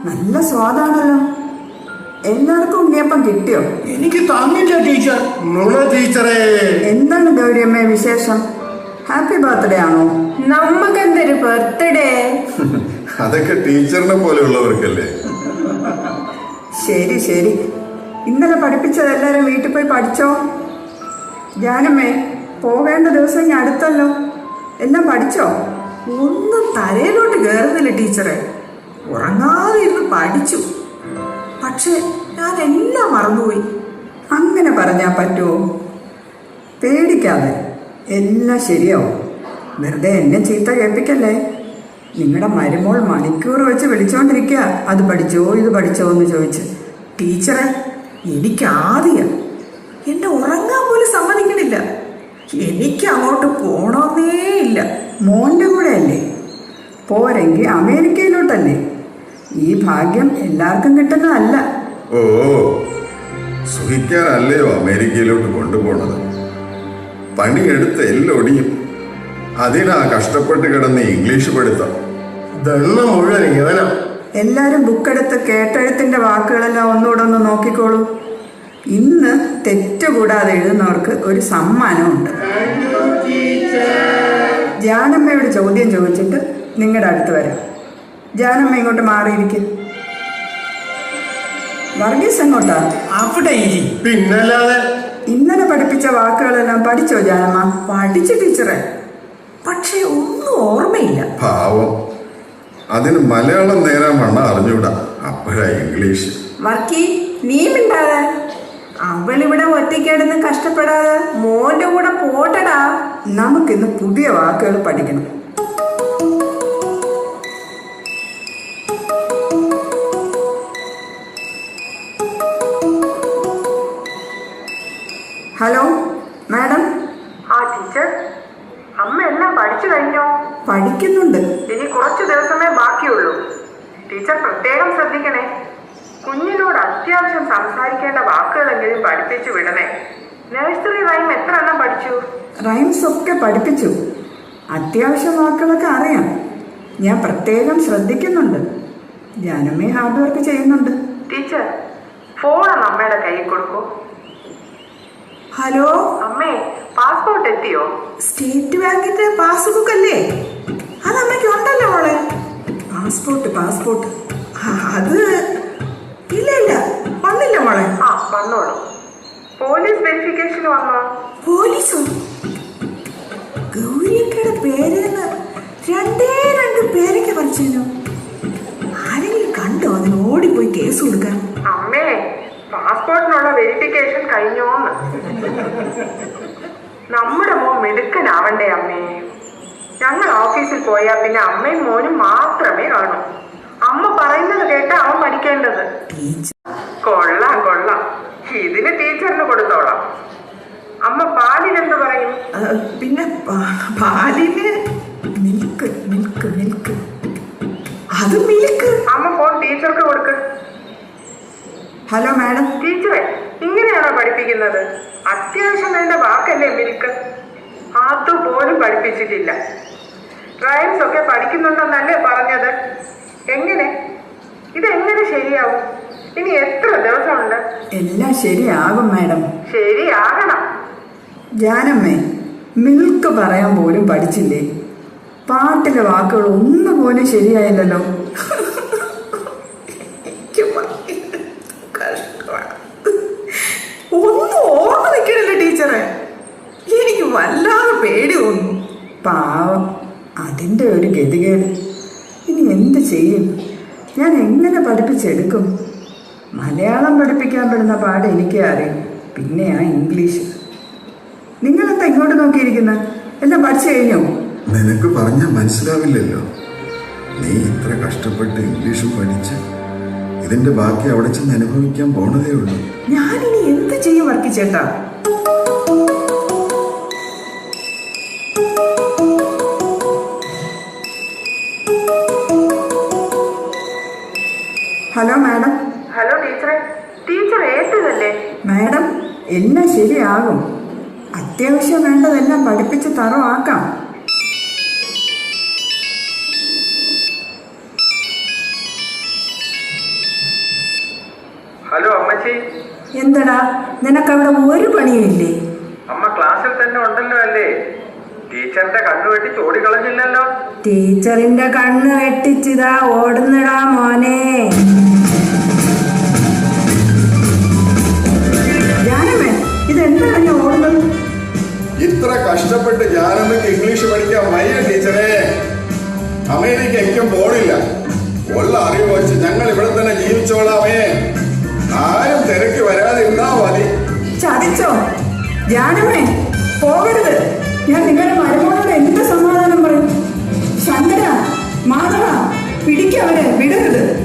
നല്ല സ്വാദാണല്ലോ. എല്ലാവർക്കും ഉണ്ണിയപ്പം കിട്ടിയോ? എനിക്ക് തന്നില്ല ടീച്ചർ. നുണ ടീച്ചറേ. എന്താണ് ഗൗരിയമ്മ വിശേഷം? ഹാപ്പി ബർത്ത്ഡേ ആണോ? നമ്മക്കെന്തൊരു ബർത്ത്ഡേ. അതൊക്കെ ടീച്ചറിനെ പോലെയുള്ളവർക്കല്ലേ. ശരി ശരി. ഇന്നലെ പഠിപ്പിച്ചത് എല്ലാവരും വീട്ടിൽ പോയി പഠിച്ചോ? ജാനമ്മേ, പോകേണ്ട ദിവസം ഇനി അടുത്തല്ലോ. എല്ലാം പഠിച്ചോ? ഒന്നും തലയിലോട്ട് കയറുന്നില്ല ടീച്ചറെ. ഉറങ്ങാതെ ഇരുന്ന് പഠിച്ചു, പക്ഷെ ഞാൻ എല്ലാം മറന്നുപോയി. അങ്ങനെ പറഞ്ഞാൽ പറ്റുമോ? പേടിക്കാതെ, എല്ലാം ശരിയാവും. വെറുതെ എന്നെ ചീത്ത കേൾപ്പിക്കല്ലേ. നിങ്ങളുടെ മരുമോൾ മണിക്കൂർ വെച്ച് വിളിച്ചോണ്ടിരിക്കുക, അത് പഠിച്ചോ ഇത് പഠിച്ചോ എന്ന് ചോദിച്ച്. ടീച്ചറെ, എനിക്ക് ആദ്യം എന്നെ ഉറങ്ങാൻ പോലും സമ്മതിക്കണില്ല. എനിക്ക് അങ്ങോട്ട് പോണമെന്നേ ഇല്ല. മോൻ്റെ കൂടെ അല്ലേ? പോരെങ്കിൽ അമേരിക്കയിലോട്ടല്ലേ? ഈ ഭാഗ്യം എല്ലാവർക്കും കിട്ടുന്നതല്ല. ഓ, സുഖിക്കാനല്ലയോ അമേരിക്കയിലോട്ട് കൊണ്ടുപോണത്. പണിയെടുത്ത് എല്ലൊടിയും. അതിനാ കഷ്ടപ്പെട്ട് കിടന്ന് ഇംഗ്ലീഷ് പഠിത്തം. ദണ്ണ മുഴുവൻ ഇവനാ. എല്ലാവരും ബുക്കെടുത്ത് കേട്ടെഴുത്തിൻ്റെ വാക്കുകളെല്ലാം ഒന്നുകൂടെ ഒന്ന് നോക്കിക്കോളൂ. ഇന്ന് തെറ്റുകൂടാതെ എഴുതുന്നവർക്ക് ഒരു സമ്മാനമുണ്ട്. ജാനമ്മയോട് ചോദ്യം ചോദിച്ചിട്ട് നിങ്ങളുടെ അടുത്ത് വരാം. ജാനമ്മ ഇങ്ങോട്ട് മാറിയിരിക്കും. വർഗീസ് എങ്ങോട്ടാ? അവിടെ ഇരി. പിന്നല്ലാതെ. ഇന്നലെ പഠിപ്പിച്ച വാക്കുകളെല്ലാം പഠിച്ചോ ജാനമ്മ? പഠിച്ചു ടീച്ചറെ, പക്ഷെ ഒന്നും ഓർമ്മയില്ല. പാവം, അതിന് മലയാളം നേരാൻ വണ്ണ അറിഞ്ഞൂടാ, അപ്പോഴാ ഇംഗ്ലീഷ്. വർക്കി, നീ മിണ്ടാതെ. അവളിവിടെ ഒറ്റയ്ക്കിടന്ന് കഷ്ടപ്പെടാതെ മോന്റെ കൂടെ പോട്ടടാ. നമുക്കിന്ന് പുതിയ വാക്കുകൾ പഠിക്കണം. Hello madam. ആ ടീച്ചർ, അമ്മ എല്ലാം പഠിച്ചു കഴിഞ്ഞോ? പഠിക്കുന്നുണ്ട്. ഇനി കുറച്ചു ദിവസമേ ബാക്കിയുള്ളൂ. ടീച്ചർ പ്രത്യേകം ശ്രദ്ധിക്കണേ. കുഞ്ഞിനോട് അത്യാവശ്യം സംസാരിക്കേണ്ട വാക്കുകളെങ്കിലും പഠിപ്പിച്ചു വിടണേ. നഴ്സറി റൈം എത്ര എണ്ണം പഠിച്ചു? റൈംസ് ഒക്കെ പഠിപ്പിച്ചു. അത്യാവശ്യം വാക്കുകളൊക്കെ അറിയാം. ഞാൻ പ്രത്യേകം ശ്രദ്ധിക്കുന്നുണ്ട്. ജാനമ്മ ഹാർഡ് വർക്ക് ചെയ്യുന്നുണ്ട്. ടീച്ചർ, ഫോൺ അമ്മയുടെ കയ്യിൽ കൊടുക്കൂ. ഹലോ അമ്മേ, പാസ്പോർട്ട് എത്തിയോ? സ്റ്റേറ്റ് ബാങ്കിന്റെ പാസ്ബുക്ക് അല്ലേ? അത് അമ്മയ്ക്ക് ഉണ്ടല്ലോ മോളെ. പാസ്പോർട്ട് അത് ഇല്ല വന്നില്ല മോളെ. ആ, വന്നോളൂ. പോലീസ് വെരിഫിക്കേഷൻ വന്നോ? പോലീസോ? ഗൗരിയക്കയുടെ പേരെന്ന് രണ്ട് പേരൊക്കെ പറിച്ചോ? ആരെങ്കിലും കണ്ടോ അതിന് ഓടിപ്പോയി കേസ് കൊടുക്കാൻ? അമ്മേ, പാസ്പോർട്ടിനുള്ള വെരിഫിക്കേഷൻ കഴിഞ്ഞോന്ന്. നമ്മുടെ മോൻ മിടുക്കനാവണ്ടേ അമ്മേ. ഞങ്ങൾ ഓഫീസിൽ പോയാൽ പിന്നെ അമ്മയും മോനും മാത്രമേ കാണൂ. അമ്മ പറയുന്നത് കേട്ടാ അവൻ പഠിക്കേണ്ടത്. കൊള്ളാം. ഇതിന് ടീച്ചറിന് കൊടുത്തോളാം. അമ്മ പാലിനെന്ത് പറയും? പിന്നെ പാലിന് മിൽക്ക്. അത് മിൽക്ക്. അമ്മ ഫോൺ ടീച്ചർക്ക് കൊടുക്ക്. Hello madam. ടീച്ചറെ, ഇങ്ങനെയാണോ പഠിപ്പിക്കുന്നത്? അത്യാവശ്യം വേണ്ട വാക്കല്ലേ മിൽക്ക്? അതുപോലും പഠിപ്പിച്ചിട്ടില്ല. റൈംസ് ഒക്കെ പഠിക്കുന്നുണ്ടെന്നല്ലേ പറഞ്ഞത്? ഇതെങ്ങനെ ശരിയാവും? ഇനി എത്ര ദിവസമുണ്ട്? എല്ലാം ശരിയാകും മാഡം. ശരിയാകണം. ജാനമ്മേ, മിൽക്ക് പറയാൻ പോലും പഠിച്ചില്ലേ? പാട്ടിലെ വാക്കുകൾ ഒന്നുപോലും ശരിയായില്ലല്ലോ. ഒന്നും ഓർമ്മ നിൽക്കണില്ല ടീച്ചറെ. എനിക്ക് വല്ലാതെ പേടി തോന്നുന്നു. പാവം, അതിൻ്റെ ഒരു ഗതികേട്. ഇനി എന്ത് ചെയ്യും? ഞാൻ എങ്ങനെ പഠിപ്പിച്ചെടുക്കും? മലയാളം പഠിപ്പിക്കാൻ പെടുന്ന പാട് എനിക്കേ അറിയും, പിന്നെയാ ഇംഗ്ലീഷ്. നിങ്ങളെന്താ ഇങ്ങോട്ട് നോക്കിയിരിക്കുന്നത്? എല്ലാം പഠിച്ചു കഴിഞ്ഞോ? നിനക്ക് പറഞ്ഞാൽ മനസ്സിലാവില്ലല്ലോ. നീ ഇത്ര കഷ്ടപ്പെട്ട് ഇംഗ്ലീഷും പഠിച്ച് ഇതിന്റെ ബാക്കി അവിടെ ചെന്ന് അനുഭവിക്കാൻ പോണതേ ഉള്ളൂ. ഞാനിനി എന്ത് ചെയ്യും വർക്കിച്ചേട്ടാ? Hello madam. ഹലോ ടീച്ചറെ. ടീച്ചർ ഏറ്റതല്ലേ? മാഡം, എല്ലാം ശരിയാകും. അത്യാവശ്യം വേണ്ടതെല്ലാം പഠിപ്പിച്ച് തറവാക്കാം. അമ്മച്ചി. എന്തടാ, നിനക്കവിടെ ഒരു പണിയുമില്ലേ? അമ്മ ക്ലാസ്സിൽ തന്നെ ഉണ്ടല്ലോ അല്ലേ? ടീച്ചറിന്റെ കണ്ണു വെട്ടി ഓടിക്കളഞ്ഞില്ലല്ലോ. ടീച്ചറിന്റെ കണ്ണ് വെട്ടിച്ചിതാ ഓടുന്നടാ മോനെ. ജാനമേ, ഇതെന്താണ് നീ ഓടുന്നത്? ഇത്ര കഷ്ടപ്പെട്ട് ഞാനമ്മയ്ക്ക് ഇംഗ്ലീഷ് പഠിക്കാൻ വയ്യ ടീച്ചറെ. അമേരിക്കയ്ക്കും പോണില്ല. ഉള്ള അറിവ് വെച്ച് ഞങ്ങൾ ഇവിടെ തന്നെ ജീവിച്ചോളാമേ. ആരും തിരക്ക് വരാതിരുന്നാ മതി. ചതിച്ചോ? ജാനമേ, പോകരുത്. ഞാൻ നിങ്ങളുടെ മരുമോനോട് എന്ത് സമാധാനം പറയും? ശങ്കര, മാധവ, പിടിക്കവരെ, വിടരുത്.